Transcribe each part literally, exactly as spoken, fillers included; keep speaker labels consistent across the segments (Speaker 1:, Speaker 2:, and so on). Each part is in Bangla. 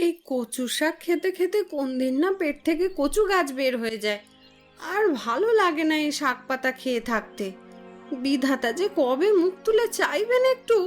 Speaker 1: এই কচু শাক খেতে খেতে কোন দিন না পেট থেকে কচু গাছ বের হয়ে যায়। আর ভালো লাগে না এই শাক পাতা খেয়ে থাকতে। বিধাতা যে কবে মুখ তুলে চাইবেন একটু।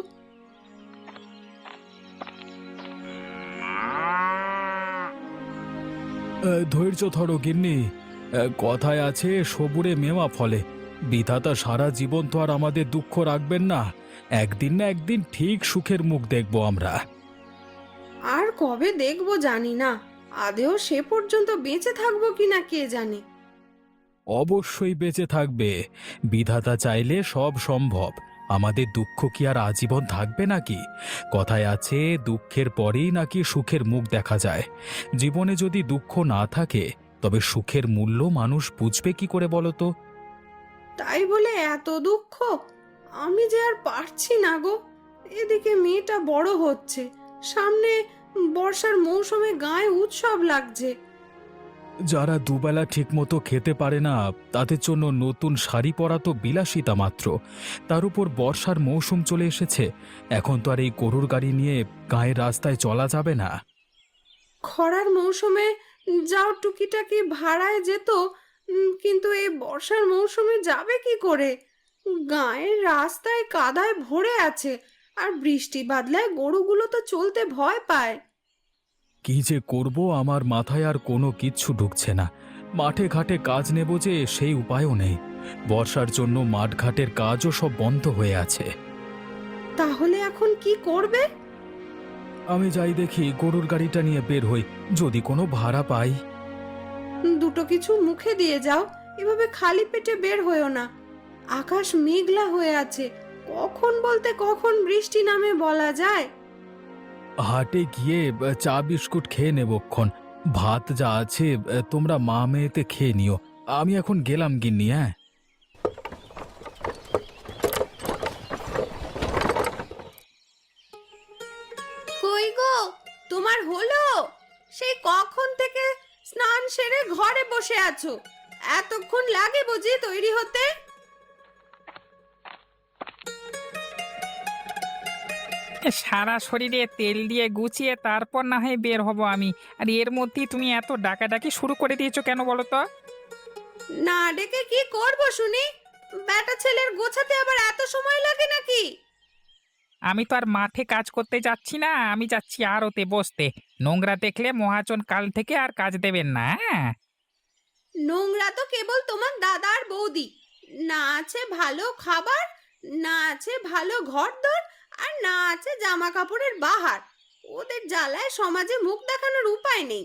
Speaker 2: এ, ধৈর্য ধরো গিন্নি। এ, কথায় আছে সবুরে মেওয়া ফলে। বিধাতা সারা জীবন তো আর আমাদের দুঃখ রাখবেন না। একদিন না একদিন ঠিক সুখের মুখ দেখব আমরা।
Speaker 1: আর কবে দেখবো জানি না, আদেও সে পর্যন্ত বেঁচে থাকবো কিনা কে জানে।
Speaker 2: অবশ্যই বেঁচে থাকবে। বিধাতা চাইলে সব সম্ভব। আমাদের দুঃখ কি আর আজীবন থাকবে নাকি? কথায় আছে দুঃখের পরেই নাকি সুখের মুখ দেখা যায়। জীবনে যদি দুঃখ না থাকে তবে সুখের মূল্য মানুষ বুঝবে কি করে বলো তো?
Speaker 1: তাই বলে এত দুঃখ? আমি যে আর পারছি না গো। এদিকে মেয়েটা বড় হচ্ছে, সামনে বর্ষার মৌসুমে গায়ে উৎসব লাগছে।
Speaker 2: যারা দুবেলা ঠিকমতো খেতে পারে না তাদের জন্য নতুন শাড়ি পরা তো বিলাসিতা মাত্র। তার উপর বর্ষার মৌসুম চলে এসেছে। এখন তো আর এই গরুর গাড়ি নিয়ে গায়ের রাস্তায় চলা যাবে না।
Speaker 1: খরার মৌসুমে যাও টুকিটাকি ভাড়ায় যেত, উম, কিন্তু এই বর্ষার মৌসুমে যাবে কি করে? গায়ের রাস্তায় কাদায় ভরে আছে, আর বৃষ্টি বাদলায় গরুগুলো তো চলতে ভয় পায়।
Speaker 2: কি যে করব আমার মাথায় আর কোনো কিচ্ছু ঢুকছে না। মাঠে ঘাটে কাজ নেব যে সেই উপায়ও নেই। বর্ষার জন্য মাঠ ঘাটের কাজও সব বন্ধ হয়ে আছে।
Speaker 1: তাহলে এখন কি করবে?
Speaker 2: আমি যাই দেখি গরুর গাড়িটা নিয়ে বের হই, যদি কোনো ভাড়া পাই।
Speaker 1: দুটো কিছু মুখে দিয়ে যাও, এভাবে খালি পেটে বের হয়েও না। আকাশ মেঘলা হয়ে আছে, কখন বলতে কখন বৃষ্টি নামে বলা যায়।
Speaker 2: হাটে গিয়ে আহ, চা বিস্কুট খেয়ে নেবক্ষণ। ভাত যা আছে আহ, তোমরা মা মেয়েতে খেয়ে নিও। আমি এখন গেলাম গিন্নি। হ্যাঁ,
Speaker 1: কই গো, তোমার হলো? সেই কখন থেকে স্নান সেরে ঘরে বসে আছো, এতক্ষণ লাগে বুঝি তৈরি হতে?
Speaker 3: সারা শরীরে তেল দিয়ে গুছিয়ে তারপর না হয় বের হব আমি। আর এর মধ্যেই তুমি এত ডাকাডাকি শুরু করে দিয়েছো কেন বলো তো?
Speaker 1: না ডেকে কি করব শুনি? বেটা ছেলের গোছাতে আবার এত সময় লাগে নাকি?
Speaker 3: আমি তো আর মাঠে কাজ করতে যাচ্ছি না, আমি যাচ্ছি আড়তে বসতে। নোংরা দেখলে মহাজন কাল থেকে আর কাজ দেবেন না, হ্যাঁ?
Speaker 1: নোংরা তো কেবল তোমার দাদা আর বৌদি। না আছে ভালো খাবার, না আছে ভালো ঘরদোর, আর না আছে জামা কাপড়ের বাহার। ওদের জ্বালায় সমাজে মুখ দেখানোর উপায় নেই।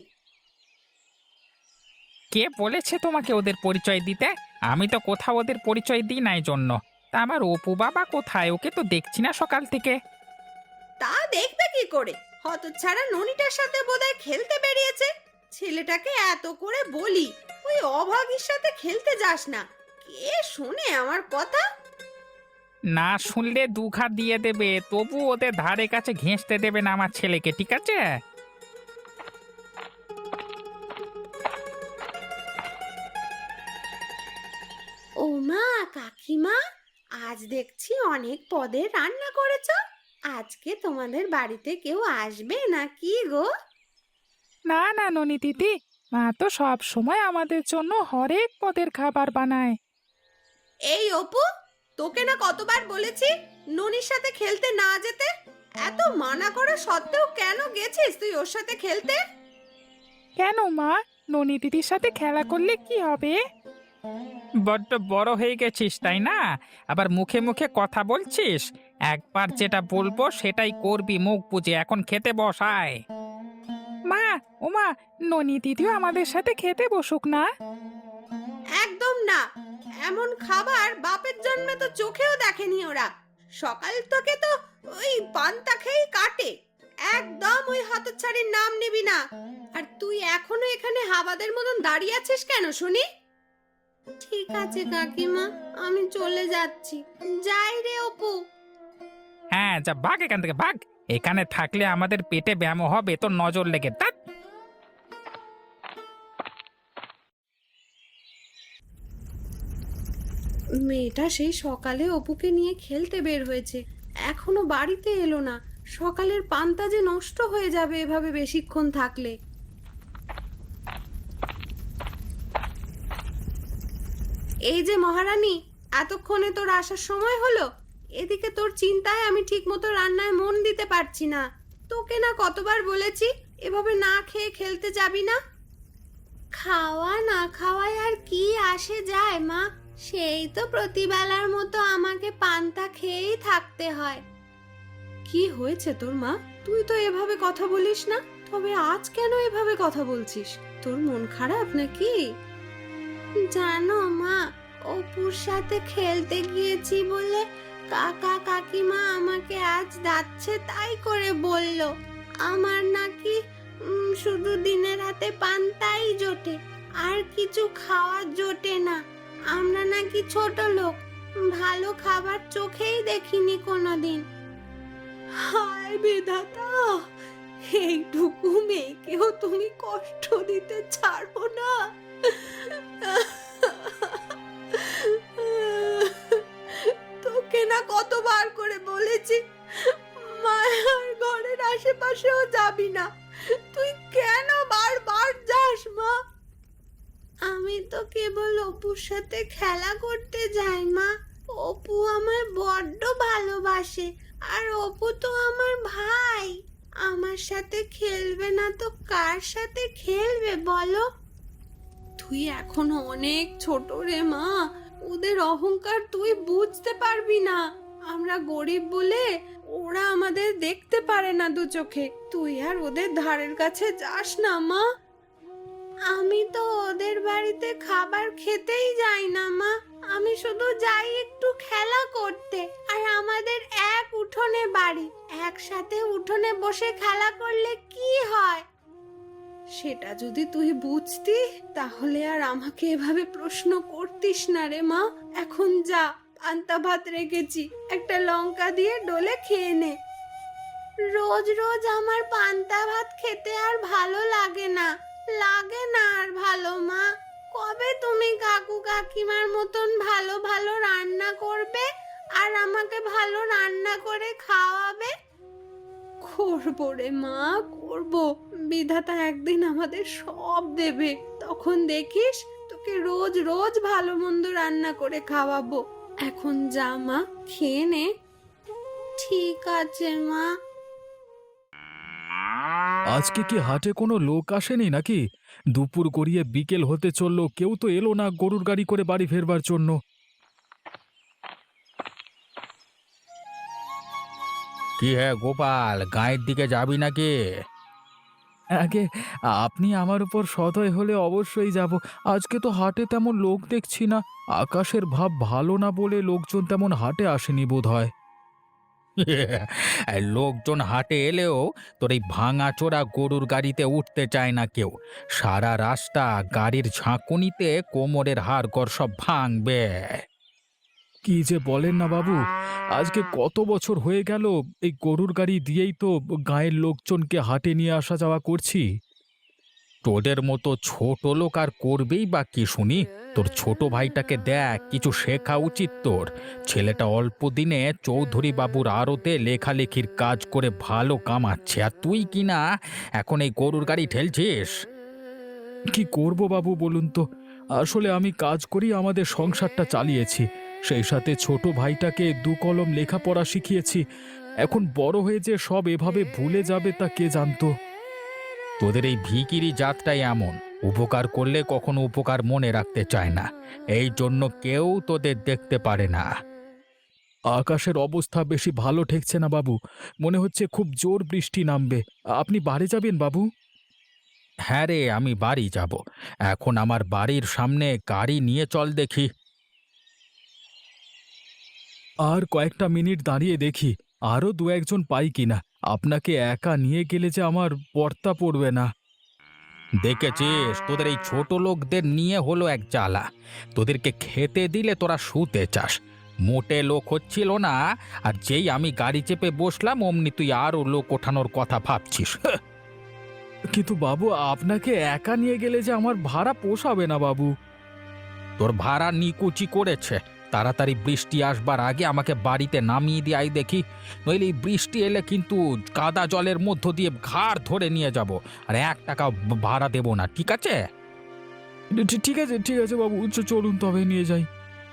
Speaker 3: কে বলেছে তোমাকে ওদের পরিচয় দিতে? আমি তো কোথাও ওদের পরিচয় দিই নাই জন্য। তা আমার অপু বাবা কোথায়? ওকে তো দেখছি না সকাল থেকে।
Speaker 1: তা দেখবে কি করে? হতচ্ছাড়া ননিটার সাথে বোধহয় খেলতে বেরিয়েছে। ছেলেটাকে এত করে বলি ওই অভাগীর সাথে খেলতে যাস না, কে শোনে আমার কথা?
Speaker 3: না শুনলে দুঘা দিয়ে দেবে, তবু ওদের ধারে কাছে ঘেঁষতে দেবে না আমার ছেলেকে, ঠিক আছে?
Speaker 1: ও মা, কাকিমা, আজ দেখছি অনেক পদের রান্না করেছো। আজকে তোমাদের বাড়িতে কেউ আসবে নাকি গো?
Speaker 3: না না ননি দিদি, মা তো সব সময় আমাদের জন্য হরেক পদের খাবার বানায়।
Speaker 1: এই অপু, তোকে না কতবার বলেছি ননির সাথে খেলতে না যেতে? এত মানা করা সত্ত্বেও কেন গেছিস তুই ওর সাথে খেলতে?
Speaker 3: কেন মা, ননি দিদির সাথে খেলা করলে কি হবে? বড্ড বড় হয়ে গেছিস তাই না? আবার মুখে মুখে কথা বলছিস। একবার যেটা বলবো সেটাই করবি মুখ বুজে। এখন খেতে বসায়। মা, ও মা, ননি দিদিও আমাদের সাথে খেতে বসুক না।
Speaker 1: একদম না। এমন খাবার বাপের জন্মে তো চোখেও দেখেনি ওরা। সকাল থেকে তো ওই পান্তা খেয়েই কাটে। একদম ওই হতচ্ছাড়ির নাম নিবি না। আর তুই এখনো এখানে হাবাদের মতন দাঁড়িয়ে আছিস কেন শুনি? ঠিক আছে কাকিমা, আমি চলে যাচ্ছি। যাই রে অপু।
Speaker 3: হ্যাঁ, যা ভাগ এখান থেকে, ভাগ। এখানে থাকলে আমাদের পেটে ব্যায়াম হবে, তোর নজর লেগে। ধ্যাৎ।
Speaker 1: মেয়েটা সেই সকালে অপুকে নিয়ে খেলতে বের হয়েছে, এখনো বাড়িতে এলো না। সকালের পান্তা যে নষ্ট হয়ে যাবে এভাবে বেশিক্ষণ থাকলে। এই যে মহারানী, এতক্ষণে তোর আসার সময় হলো। এদিকে তোর চিন্তায় আমি ঠিক মতো রান্নায় মন দিতে পারছি না। তোকে না কতবার বলেছি এভাবে না খেয়ে খেলতে যাবি না। খাওয়া না খাওয়ায় আর কি আসে যায় মা, সেই তো প্রতিবেলার মতো আমাকে পান্তা খেয়েই থাকতে হয়। কি হয়েছে তোর মা? তুই তো এভাবে কথা বলিস না। তবে আজ কেন এভাবে কথা বলছিস? তোর মন খারাপ নাকি? জানো মা, অপুর সাথে খেলতে গিয়েছি বলে কাকা কাকিমা আমাকে আজ যাচ্ছে তাই করে বলল। আমার নাকি উম, শুধু দিনের হাতে পান্তাই জোটে, আর কিছু খাওয়া জোটে না। আমরা নাকি ছোট লোক, ভালো খাবার চোখেই দেখিনি কোনোদিন। হায় বিধাতা, এইটুকু মেয়েকেও তুমি কষ্ট দিতে ছাড়ো না। তোকে না কতবার করে বলেছি মায়ার ঘরের আশেপাশেও যাবি না। তুই কেন বারবার যাস মা? আমি তো কেবল অপুর সাথে খেলা করতে যাই মা। অপু আমায় বড্ড ভালোবাসে, আর অপু তো আমার ভাই। আমার সাথে খেলবে না তো কার সাথে খেলবে বলো? তুই এখনো অনেক ছোট রে মা, ওদের অহংকার তুই বুঝতে পারবি না। আমরা গরিব বলে ওরা আমাদের দেখতে পারে না দু চোখে। তুই আর ওদের ধারের কাছে যাস না মা। আমি তো ওদের বাড়িতে খাবার খেতেই যাই না মা, আমি শুধু যাই একটু খেলা করতে। আর আমাদের এক উঠোনে বাড়ি, একসাথে উঠোনে বসে খেলা করলে কি হয়? সেটা যদি তুই বুঝতি তাহলে আর আমাকে এভাবে প্রশ্ন করতিস না রে মা। এখন যা, পান্তা ভাত রেখেছি, একটা লঙ্কা দিয়ে ডলে খেয়ে নে। রোজ রোজ আমার পান্তা ভাত খেতে আর ভালো লাগে না, লাগে না আর ভালো মা। কবে তুমি কাকু কাকিমার মতন ভালো ভালো রান্না করবে আর আমাকে ভালো রান্না করে খাওয়াবে? করবো রে মা, করবো। বিধাতা একদিন আমাদের সব দেবে, তখন দেখিস তোকে রোজ রোজ ভালো মন্দ রান্না করে খাওয়াবো। এখন যা মা, খেয়ে নে। ঠিক আছে মা।
Speaker 2: আজকে কি হাটে কোনো লোক আসেনি নাকি? দুপুর গড়িয়ে বিকেল হতে চললো, কেউ তো এলো না গরুর গাড়ি করে বাড়ি ফেরবার জন্য।
Speaker 3: কি হ্যাঁ গোপাল, গায়ের দিকে যাবি নাকি?
Speaker 2: আগে আপনি আমার উপর সদয় হলে অবশ্যই যাব। আজকে তো হাটে তেমন লোক দেখছি না। আকাশের ভাব ভালো না বলে লোকজন তেমন হাটে আসেনি বোধ হয়।
Speaker 3: লোকজন হাটে এলেও তোর এই ভাঙা চোরা গরুর গাড়িতে উঠতে চায় না কেউ। সারা রাস্তা গাড়ির ঝাঁকুনিতে কোমরের হাড়গড় সব ভাঙবে।
Speaker 2: কি যে বলেন না বাবু, আজকে কত বছর হয়ে গেল এই গরুর গাড়ি দিয়েই তো গায়ের লোকজনকে হাটে নিয়ে আসা যাওয়া করছি।
Speaker 3: তোদের মতো ছোট লোক আর করবেই বা কি শুনি? তোর ছোট ভাইটাকে দেখ, কিছু শেখা উচিত তোর। ছেলেটা অল্প দিনে চৌধুরী বাবুর আড়তে লেখালেখির কাজ করে ভালো কামাচ্ছে, আর তুই কিনা এখন এই গরুর গাড়ি ঠেলছিস।
Speaker 2: কি করব বাবু বলুন তো? আসলে আমি কাজ করি আমাদের সংসারটা চালিয়েছি, সেই সাথে ছোট ভাইটাকে দু কলম লেখাপড়া শিখিয়েছি। এখন বড় হয়ে যে সব এভাবে ভুলে যাবে তা কে জানতো।
Speaker 3: তোদের এই ভিকিরি জাতটাই এমন, উপকার করলে কখনো উপকার মনে রাখতে চায় না, এই জন্য কেউ তোদের দেখতে পারে না।
Speaker 2: আকাশের অবস্থা বেশি ভালো ঠেকছে না বাবু, মনে হচ্ছে খুব জোর বৃষ্টি নামবে। আপনি বাড়ি যাবেন বাবু?
Speaker 3: হ্যাঁ রে, আমি বাড়ি যাব। এখন আমার বাড়ির সামনে গাড়ি নিয়ে চল দেখি।
Speaker 2: আর কয়েকটা মিনিট দাঁড়িয়ে দেখি আরও দু একজন পাই কিনা। আপনাকে একা নিয়ে গেলে যে আমার পর্তা পড়বে না।
Speaker 3: দেখেছিস, তোদের এই ছোট লোকদের নিয়ে হলো এক জ্বালা। তোদেরকে খেতে দিলে তোরা শুতে চাস। মোটে লোক হচ্ছিল না, আর যেই আমি গাড়ি চেপে বসলাম অমনি তুই আরও লোক ওঠানোর কথা ভাবছিস।
Speaker 2: কিন্তু বাবু, আপনাকে একা নিয়ে গেলে যে আমার ভাড়া পোষাবে না বাবু।
Speaker 3: তোর ভাড়া নিকুচি করেছে,
Speaker 2: তাড়াতাড়ি বৃষ্টি আসবার আগে আমাকে বাড়িতে নামিয়ে দিয়ে আই দেখি, নইলে এই বৃষ্টি এলে কিন্তু কাদা জলের মধ্য দিয়ে ঘাড় ধরে নিয়ে যাব, আর এক টাকা ভাড়া দেবো না, ঠিক আছে? ঠিক আছে ঠিক আছে বাবু, চলুন তবে নিয়ে যাই।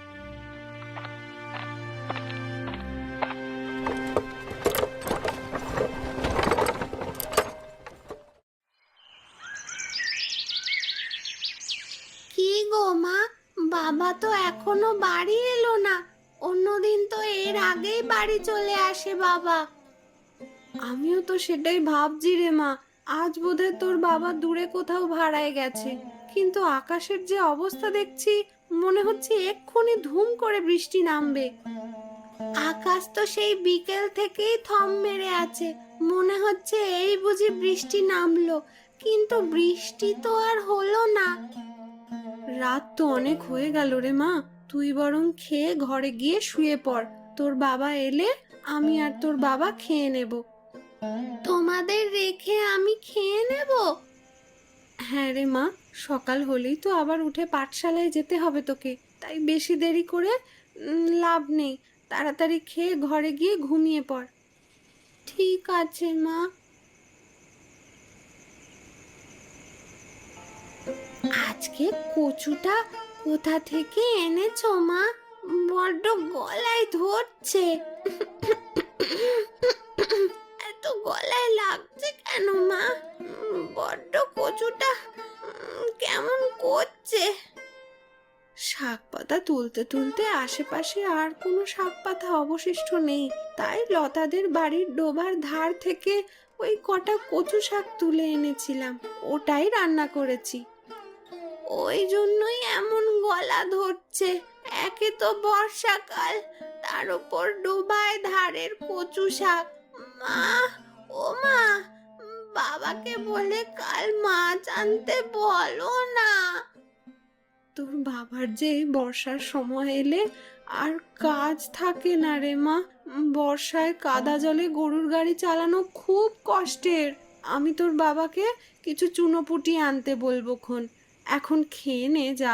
Speaker 1: কি গো মা, বাবা তো এখনো বাড়ি এলো না। অন্যদিন তো এর আগেই বাড়ি চলে আসে বাবা। আমিও তো সেটাই ভাবছি রে মা, আজ বোধহয় তোর বাবা দূরে কোথাও ভাড়ায় গেছে। কিন্তু আকাশের যে অবস্থা দেখছি, মনে হচ্ছে এক্ষুনি ধুম করে বৃষ্টি নামবে। আকাশ তো সেই বিকেল থেকেই থম মেরে আছে, মনে হচ্ছে এই বুঝি বৃষ্টি নামলো, কিন্তু বৃষ্টি তো আর হলো না। রাত তো অনেক হয়ে গেল রে মা, তুই বরং খেয়ে ঘরে গিয়ে শুয়ে পড়। তোর বাবা এলে আমি আর তোর বাবা খেয়ে নেব। তোমাদের রেখে আমি খেয়ে নেব? হ্যাঁ রে মা, সকাল হলেই তো আবার উঠে পাঠশালায় যেতে হবে তোকে, তাই বেশি দেরি করে উম, লাভ নেই। তাড়াতাড়ি খেয়ে ঘরে গিয়ে ঘুমিয়ে পড়। ঠিক আছে মা। আজকে কচুটা কোথা থেকে এনেছো মা? বড্ড গলায় ধরছে। এত গলায় লাগছে কেন মা? উম, বড্ড কচুটা উম, কেমন করছে। শাক পাতা তুলতে তুলতে আশেপাশে আর কোনো শাক পাতা অবশিষ্ট নেই, তাই লতাদের বাড়ির ডোবার ধার থেকে ওই কটা কচু শাক তুলে এনেছিলাম, ওটাই রান্না করেছি। ওই জন্যই এমন গলা ধরছে। একে তো বর্ষাকাল, তার উপর ডোবায় ধারের কচু শাক। মা, ও মা, বাবাকে বলে কাল মাছ আনতে বলো না। তোর বাবার যে এই বর্ষার সময় এলে আর কাজ থাকে না রে মা। বর্ষায় কাদা জলে গরুর গাড়ি চালানো খুব কষ্টের। আমি তোর বাবাকে কিছু চুনোপুটি আনতে বলবো খন। এখন খেয়ে নে যা।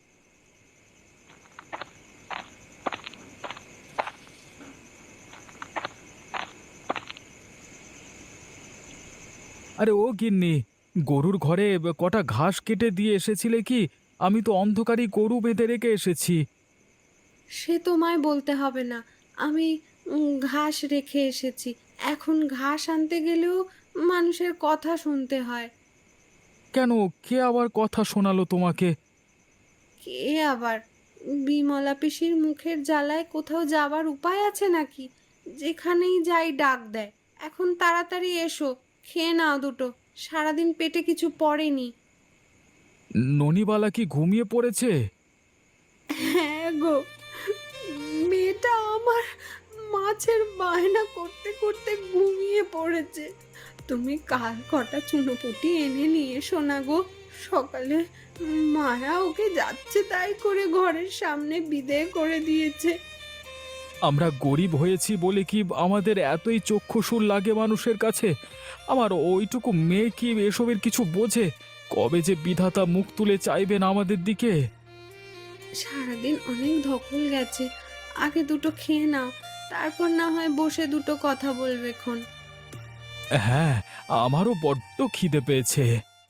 Speaker 2: আরে ও গিন্নি, গরুর ঘরে কটা ঘাস কেটে দিয়ে এসেছিলে কি? আমি তো অন্ধকারই গরু বেঁধে রেখে এসেছি।
Speaker 1: সে তোমায় বলতে হবে না, আমি উম, ঘাস রেখে এসেছি। এখন ঘাস আনতে গেলেও মানুষের কথা শুনতে হয়।
Speaker 2: কেন, কে আবার কথা শোনালো তোমাকে?
Speaker 1: কে আবার? বিমলা পিসির মুখের জ্বালায় কোথাও যাবার উপায় আছে নাকি? যেখানেই যাই ডাক দেয়। এখন তাড়াতাড়ি এসো, খেয়ে নাও দুটো, সারাদিন পেটে কিছু পড়েনি।
Speaker 2: ননিবালা কি ঘুমিয়ে পড়েছে?
Speaker 1: হ্যাঁ গো, মেয়েটা আমার মাছের বায়না করতে করতে ঘুমিয়ে পড়েছে। তুমি কাল কটা চুনোপুটি এনে নিয়ে এসো না গো। সকালে মায়া ওকে যাচ্ছে তাই করে ঘরের সামনে বিদেয় করে দিয়েছে।
Speaker 2: আমরা গরিব হয়েছি বলে কি আমাদের এতই চক্ষুশূল লাগে মানুষের কাছে? আমার ওইটুকু মেয়ে কি এসবের কিছু বোঝে? কবে যে বিধাতা মুখ তুলে চাইবেন আমাদের দিকে?
Speaker 1: সারাদিন অনেক ধকল গেছে, আগে দুটো খেয়ে নাও, তারপর না হয় বসে দুটো কথা বলবে খন।
Speaker 2: হ্যাঁ, আমারও বড্ড খিদে পেয়েছে।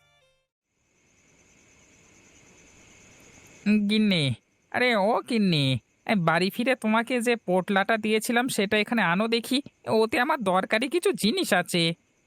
Speaker 3: গিন্নি, আরে ও গিন্নি, এই বাড়ি ফিরে তোমাকে যে পোটলাটা দিয়েছিলাম সেটা এখানে আনো দেখি। ওতে আমার দরকারি কিছু জিনিস আছে।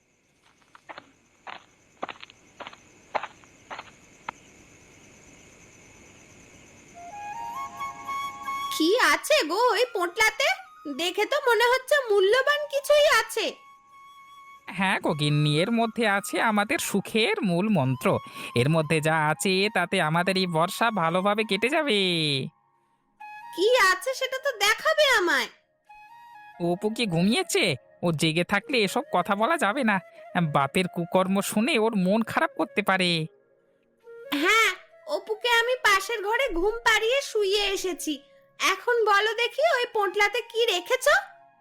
Speaker 1: কি আছে গো ওই পোটলাতে? দেখে তো মনে হচ্ছে মূল্যবান কিছুই আছে।
Speaker 3: হ্যাঁ গো গিন্নি, এর মধ্যে আছে আমাদের সুখের মূল মন্ত্র। এর মধ্যে যা আছে তাতে আমাদের এই বর্ষা ভালোভাবে কেটে যাবে।
Speaker 1: কি আছে সেটা তো দেখাবে আমায়।
Speaker 3: অপু কি ঘুমিয়েছে? ও জেগে থাকলে এসব কথা বলা যাবে না। বাপের কুকর্ম শুনে ওর মন খারাপ করতে পারে।
Speaker 1: হ্যাঁ, অপুকে আমি পাশের ঘরে ঘুম পাড়িয়ে শুইয়ে এসেছি। এখন বলো দেখি ওই পোটলাতে কি রেখেছো?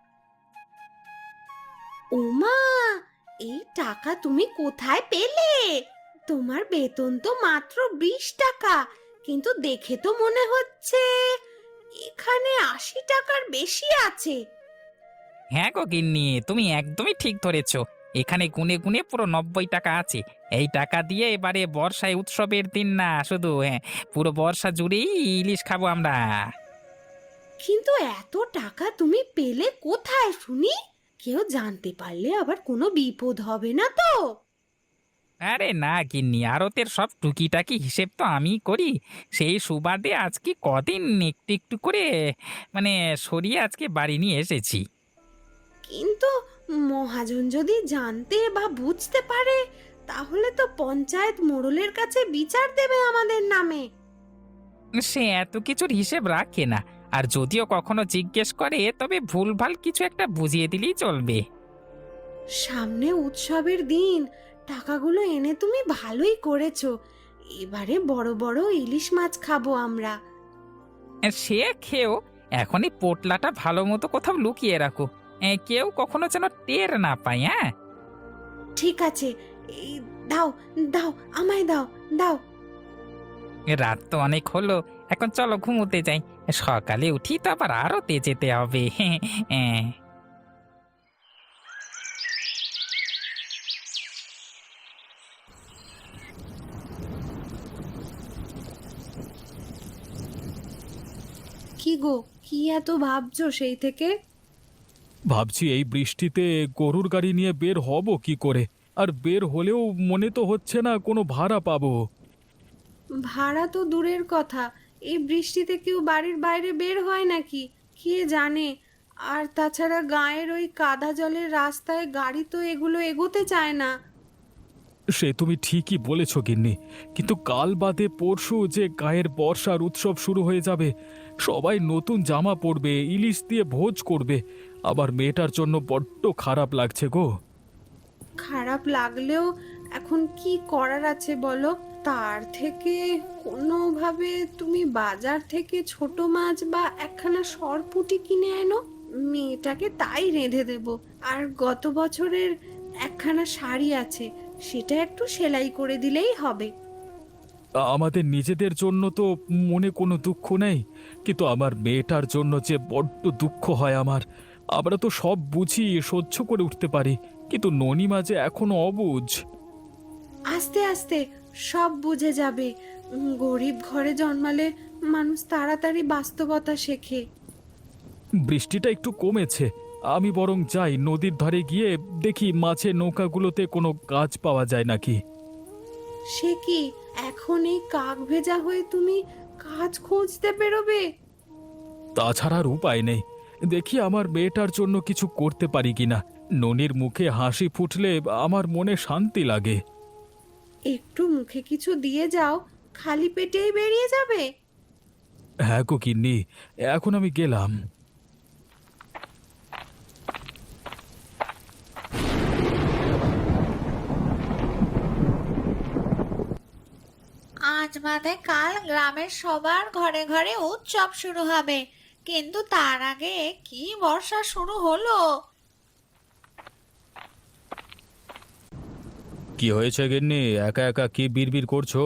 Speaker 1: ওমা, এই টাকা তুমি কোথায় পেলে? তোমার বেতন তো মাত্র বিশ টাকা, কিন্তু দেখে তো মনে হচ্ছে এখানে আশি টাকার বেশি আছে।
Speaker 3: হ্যাঁ গো গিন্নি, তুমি একদমই ঠিক ধরেছ। এখানে গুনে গুনে পুরো নব্বই টাকা আছে। এই টাকা দিয়ে এবারে বর্ষায় উৎসবের দিন না শুধু, হ্যাঁ, পুরো বর্ষা জুড়েই ইলিশ খাবো আমরা।
Speaker 1: কিন্তু এত টাকা তুমি পেলে কোথায় শুনি? কেউ জানতে পারলে আবার কোনো বিপদ হবে না তো?
Speaker 3: আরে না গিন্নি, আড়তের সব টুকিটাকি হিসেব তো আমি করি। সেই সুবাদে আজকে কদিন একটু একটু করে মানে সরিয়ে আজকে বাড়ি নিয়ে এসেছি।
Speaker 1: কিন্তু মহাজন যদি জানতে বা বুঝতে পারে, তাহলে তো পঞ্চায়েত মোড়লের কাছে বিচার দেবে আমাদের নামে।
Speaker 3: সে এত কিছুর হিসেব রাখে না, আর যদিও কখনো জিজ্ঞেস করে তবে ভুলভাল কিছু একটা বুঝিয়ে দিলেই চলবে।
Speaker 1: সামনে উৎসবের দিন, টাকাগুলো এনে তুমি ভালোই করেছো। এবারে বড় বড় ইলিশ মাছ খাবো আমরা।
Speaker 3: সে খেয়েও এখন এই পোটলাটা ভালো মতো কোথাও লুকিয়ে রাখো, এ, কেউ কখনো যেন টের না পায়। হ্যাঁ,
Speaker 1: ঠিক আছে, এই দাও, দাও, আমায় দাও, দাও।
Speaker 3: রাত তো অনেক হলো, এখন চলো ঘুমোতে যাই। সকালে উঠি তো আবার আরতে যেতে হবে। হ্যাঁ।
Speaker 1: কি গো, কি এত ভাবছো সেই থেকে?
Speaker 2: ভাবছি এই বৃষ্টিতে গরুর গাড়ি নিয়ে বের হব কি করে, আর বের হলেও মনে তো হচ্ছে না কোনো ভাড়া পাবো।
Speaker 1: ভাড়া তো দূরের কথা, এই বৃষ্টিতে কেউ বাড়ির বাইরে বের হয় নাকি কে জানে। আর তাছাড়া গায়ের ওই কাদা জলের রাস্তায় গাড়ি তো এগুলো এগোতে চায় না।
Speaker 2: সে তুমি ঠিকই বলেছ গিন্নি, কিন্তু কাল বাদে পরশু যে গায়ের বর্ষার উৎসব শুরু হয়ে যাবে। সবাই নতুন জামা পরবে, ইলিশ দিয়ে ভোজ করবে। আবার মেয়েটার জন্য বড্ড খারাপ লাগছে গো।
Speaker 1: খারাপ লাগলেও এখন কি করার আছে বলো? তার থেকে কোনোভাবে তুমি বাজার থেকে ছোট মাছ বা একখানা সরপুঁটি কিনে এনো, মেয়েটাকে তাই রেঁধে দেব। আর গত বছরের একখানা শাড়ি আছে, সেটা একটু সেলাই করে দিলেই হবে।
Speaker 2: আমাদের নিজেদের জন্য তো মনে কোনো দুঃখ নেই, কিন্তু আমার মেয়েটার জন্য যে বড্ড দুঃখ হয় আমার। আমরা তো সব বুঝি, সহ্য করে উঠতে পারি, কিন্তু ননিমা যে এখনো অবুঝ।
Speaker 1: আস্তে আস্তে সব বুঝে যাবে। উম, গরিব ঘরে জন্মালে মানুষ তাড়াতাড়ি বাস্তবতা শেখে।
Speaker 2: বৃষ্টিটা একটু কমেছে, আমি বরং যাই নদীর ধারে গিয়ে দেখি মাছের নৌকাগুলোতে কোনো কাজ পাওয়া যায় নাকি।
Speaker 1: সে কি, এখন এই কাক ভেজা হয়ে তুমি কাজ খুঁজতে বেরোবে?
Speaker 2: তাছাড়া আর উপায় নেই, দেখি আমার মেয়েটার জন্য কিছু করতে পারি কিনা। ননির মুখে হাসি ফুটলে আমার মনে শান্তি লাগে।
Speaker 1: একটু মুখে কিছু দিয়ে যাও, খালি পেটেই বেরিয়ে যাবে।
Speaker 2: হ্যাঁ গো গিন্নি, এখন আমি গেলাম।
Speaker 4: আজ বাদে কাল গ্রামের সবার ঘরে ঘরে উৎসব শুরু হবে, কিন্তু তার আগে কি বর্ষা শুরু হলো।
Speaker 2: কি হয়েছে গিন্নি, একা একা কি বিড়বিড় করছো?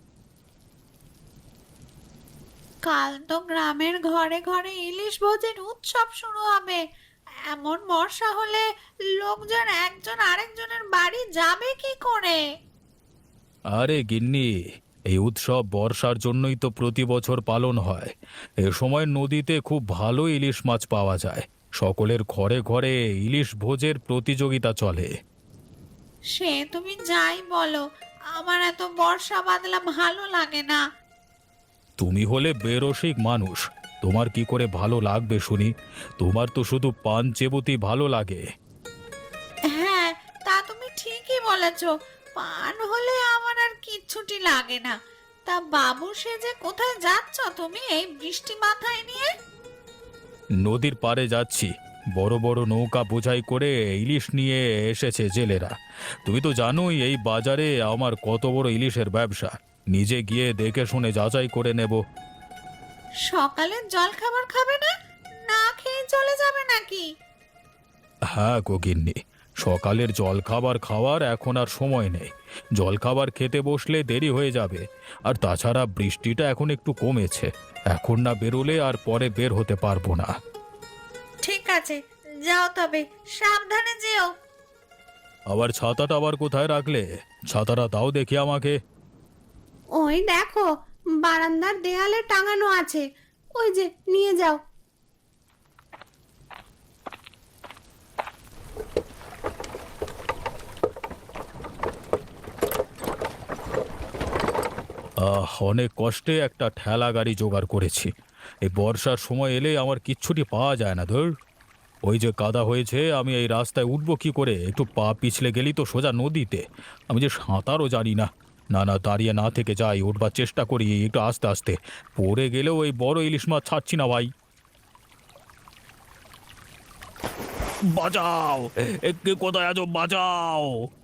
Speaker 4: কাল তো গ্রামের ঘরে ঘরে ইলিশ ভোজের উৎসব শুরু হবে। এমন বর্ষা হলে লোকজন একজন আরেকজনের বাড়ি যাবে কি করে?
Speaker 2: আরে গিন্নি, এই উৎসব বর্ষার জন্যই তো প্রতি বছর পালন হয়। এ সময় নদীতে খুব ভালো ইলিশ মাছ পাওয়া যায়। সকলের ঘরে ঘরে ইলিশ ভোজের প্রতিযোগিতা চলে।
Speaker 4: সে তুমি যাই বলো, আমার এত বর্ষা বাদলা ভালো লাগে না।
Speaker 2: তুমি হলে বেরসিক মানুষ, তোমার কি করে ভালো লাগবে শুনি? তোমার তো শুধু পান চেবুতি ভালো লাগে।
Speaker 4: হ্যাঁ, তা তুমি ঠিকই বলেছ। পান হলে আমার আর কিচ্ছুটি লাগে না। তা বাবু সেজে কোথায় যাচ্ছ তুমি এই বৃষ্টি মাথায় নিয়ে?
Speaker 2: নদীর পাড়ে যাচ্ছি, বড় বড় নৌকা বোঝাই করে ইলিশ নিয়ে এসেছে জেলেরা। তুমি তো জানোই এই বাজারে আমার কত বড় ইলিশের ব্যবসা। নিজে গিয়ে দেখে শুনে যাচাই করে নেব।
Speaker 4: সকালের জল খাবার খাবে না? না খেয়ে চলে যাবে নাকি?
Speaker 2: হ্যাঁ গো গিন্নি, সকালের জলখাবার খাওয়ার এখন আর সময় নেই। জলখাবার খেতে বসলে দেরি হয়ে যাবে। আর তাছাড়া বৃষ্টিটা এখন একটু কমেছে, এখন না বেরোলে আর পরে বের হতে পারবো না।
Speaker 4: ঠিক আছে, যাও তবে, সাবধানে যেও।
Speaker 2: আবার ছাতাটা আবার কোথায় রাখলে? ছাতাটা দাও দেখি আমাকে।
Speaker 1: ওই দেখো, বারান্দার দেয়ালে টাঙানো আছে, ওই যে নিয়ে যাও।
Speaker 2: আহ অনেক কষ্টে একটা ঠেলা গাড়ি জোগাড় করেছি। এই বর্ষার সময় এলে আমার কিচ্ছুটি পাওয়া যায় না ধর। ওই যে কাদা হয়েছে, আমি এই রাস্তায় উঠবো কি করে? একটু পা পিছলে গেলি তো সোজা নদীতে। আমি যে সাঁতারও জানি না। না না, দাঁড়িয়ে না থেকে যাই, উঠবার চেষ্টা করি একটু আস্তে আস্তে। পড়ে গেলেও ওই বড় ইলিশ মাছ ছাড়ছি না ভাই। বাঁচাও, এ কে কোথায় আছো? বাঁচাও।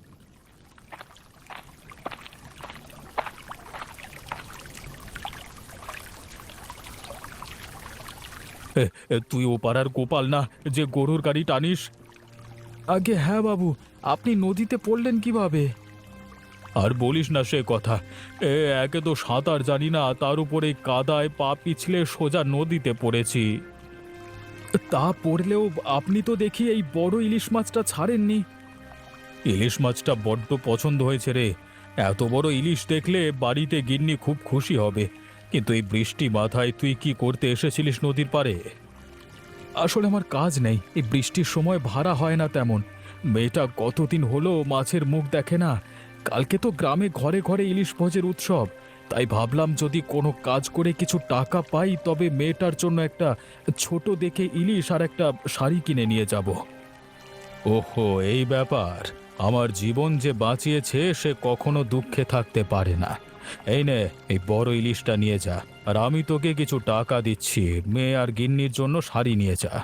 Speaker 2: এ, এ, তুই ও পাড়ার গোপাল না, যে গরুর গাড়ি টানিস? আগে হ্যাঁ বাবু, আপনি নদীতে পড়লেন কিভাবে? আর বলিস না সে কথা। এ একে তো সাঁতার জানি না, তার উপরে কাদায় পা পিছলে সোজা নদীতে পড়েছি। তা পড়লেও আপনি তো দেখি এই বড় ইলিশ মাছটা ছাড়েননি। ইলিশ মাছটা বড্ড পছন্দ হয়েছে রে। এত বড় ইলিশ দেখলে বাড়িতে গিন্নি খুব খুশি হবে। কিন্তু এই বৃষ্টি মাথায় তুই কি করতে এসেছিলিস নদীর পাড়ে? আসলে আমার কাজ নেই, এই বৃষ্টির সময় ভাড়া হয় না তেমন। মেয়েটা কতদিন হলো মাছের মুখ দেখে না। কালকে তো গ্রামে ঘরে ঘরে ইলিশ ভোজের উৎসব, তাই ভাবলাম যদি কোনো কাজ করে কিছু টাকা পাই তবে মেয়েটার জন্য একটা ছোট দেখে ইলিশ আর একটা শাড়ি কিনে নিয়ে যাব। ওহো, এই ব্যাপার। আমার জীবন যে বাঁচিয়েছে সে কখনো দুঃখে থাকতে পারে না। এই নে, এই বড় ইলিশটা নিয়ে যা, আর আমি তোকে কিছু টাকা দিচ্ছি। মেয়ে আর গিন্নির জন্য শাড়ি নিয়ে যা।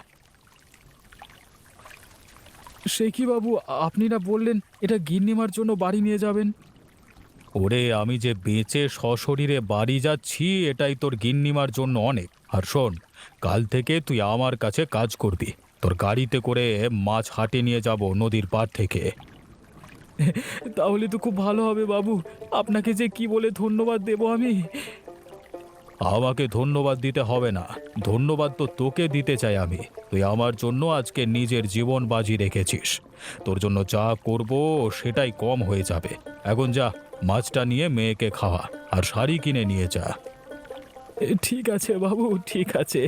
Speaker 2: সে কি বাবু, আপনি না বললেন এটা গিন্নিমার জন্য বাড়ি নিয়ে যাবেন? ওরে, আমি যে বেঁচে সশরীরে বাড়ি যাচ্ছি এটাই তোর গিন্নিমার জন্য অনেক। আর শোন, কাল থেকে তুই আমার কাছে কাজ করবি। তোর গাড়িতে করে মাছ হাটে নিয়ে যাব নদীর পাড় থেকে। তাহলে তো খুব ভালো হবে বাবু, আপনাকে যে কি বলে ধন্যবাদ দেব আমি। আমাকে ধন্যবাদ দিতে হবে না, ধন্যবাদ তো তোকে দিতে চাই আমি। তুই আমার জন্য আজকে নিজের জীবন বাজি রেখেছিস। তোর জন্য যা করব সেটাই কম হয়ে যাবে। এখন যা, মাছটা নিয়ে মেয়েকে খাওয়া আর শাড়ি কিনে নিয়ে যা। ঠিক আছে বাবু, ঠিক আছে।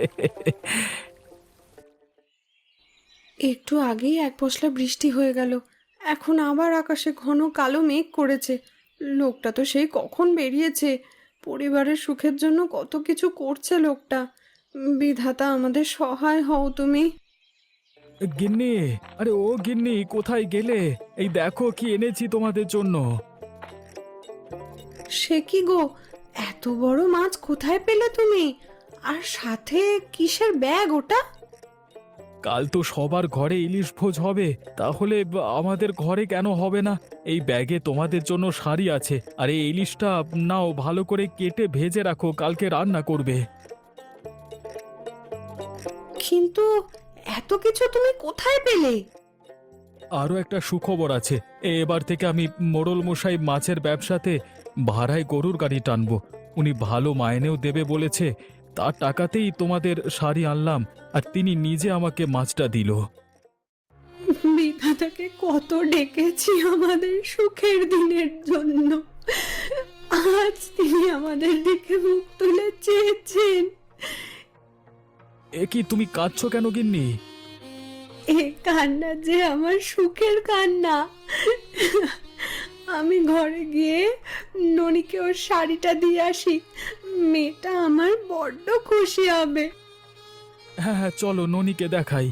Speaker 1: একটু আগেই এক পশলা বৃষ্টি হয়ে গেল, এখন আবার আকাশে ঘন কালো মেঘ করেছে। লোকটা তো সেই কখন বেরিয়েছে, পরিবারের সুখের জন্য কত কিছু করছে লোকটা। বিধাতা আমাদের সহায় হও তুমি।
Speaker 2: গিন্নি, আরে ও গিন্নি, কোথায় গেলে? এই দেখো কি এনেছি তোমাদের জন্য।
Speaker 1: সে কি গো, এত বড় মাছ কোথায় পেলে তুমি? আর সাথে কিসের ব্যাগ ওটা?
Speaker 2: কাল তো সবার ঘরে ইলিশ ভোজ হবে, তাহলে আমাদের ঘরে কেন হবে না? এই ব্যাগে তোমাদের জন্য শাড়ি আছে, আর এই ইলিশটা নাও, ভালো করে কেটে ভেজে রাখো, কালকে রান্না করবে।
Speaker 1: কিন্তু এত কিছু তুমি কোথায় পেলে?
Speaker 2: আরও একটা সুখবর আছে। এবার থেকে আমি মোড়ল মশাই মাছের ব্যবসাতে ভাড়ায় গরুর গাড়ি টানবো। উনি ভালো মাইনেও দেবে বলেছে। তার টাকাতেই তোমাদের শাড়ি আনলাম, আর তিনি নিজে আমাকে মাছটা দিল।
Speaker 1: বিধাতাকে কত ডেকেছি আমাদের সুখের দিনের জন্য, আজ তিনি আমাদের দিকে মুখ তুলে চেয়েছেন।
Speaker 2: এ কি, তুমি কাঁদছো কেন গিন্নি?
Speaker 1: এ কান্না যে আমার সুখের কান্না। আমি ঘরে গিয়ে ননিকে ওর শাড়িটা দিয়ে আসি, মেয়েটা আমার বড্ড খুশি হবে।
Speaker 2: হ্যাঁ হ্যাঁ, চলো ননিকে দেখাই।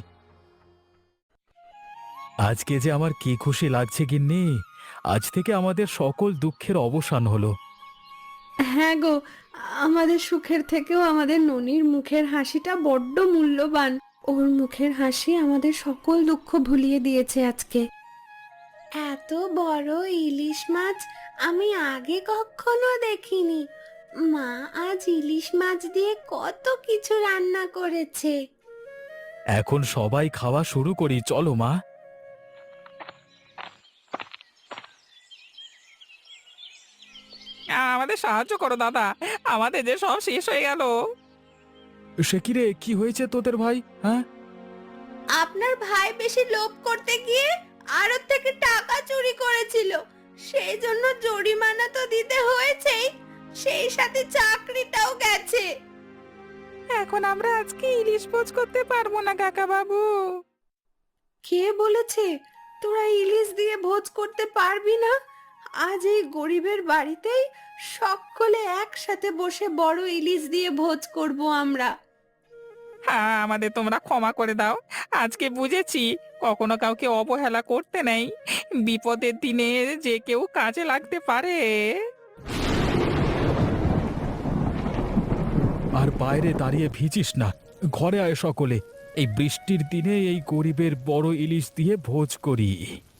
Speaker 2: আজকে যে আমার কি খুশি লাগছে গিন্নি, আজ থেকে আমাদের সকল দুঃখের অবসান হলো।
Speaker 1: হ্যাঁ গো, আমাদের সুখের থেকেও আমাদের ননির মুখের হাসিটা বড্ড মূল্যবান। ওর মুখের হাসি আমাদের সকল দুঃখ ভুলিয়ে দিয়েছে আজকে। এত বড় ইলিশ মাছ আমি আগে কখনো দেখিনি। মা আজ ইলিশ মাছ দিয়ে কত কিছু রান্না করেছে।
Speaker 2: এখন সবাই খাওয়া শুরু করি, চলো মা।
Speaker 3: আমাদের সাহায্য করো দাদা, আমাদের যে সব শেষ হয়ে গেল।
Speaker 2: সে কি রে, কি হয়েছে তোদের ভাই? হ্যাঁ,
Speaker 1: আপনার ভাই বেশি লোভ করতে গিয়ে আড়ত থেকে টাকা চুরি করেছিল, সেই জন্য জরিমানা তো দিতে হয়েছেই, সেই সাথে চাকরিটাও গেছে।
Speaker 3: এখন আমরা আজকে ইলিশ ভোজ করতে পারবো না কাকা বাবু।
Speaker 1: কে বলেছে তোরা ইলিশ দিয়ে ভোজ করতে পারবি না? আজ এই গরিবের বাড়িতেই সকলে একসাথে বসে বড় ইলিশ দিয়ে ভোজ করব আমরা।
Speaker 3: হ্যাঁ, আমাদের তোমরা ক্ষমা করে দাও। আজকে বুঝেছি কখনো কাউকে অবহেলা করতে নেই, বিপদের দিনে যে কেউ কাজে লাগতে পারে।
Speaker 2: আর বাইরে দাঁড়িয়ে ভিজিস না, ঘরে আয় সকলে। এই বৃষ্টির দিনে এই গরিবের বড় ইলিশ দিয়ে ভোজ করি।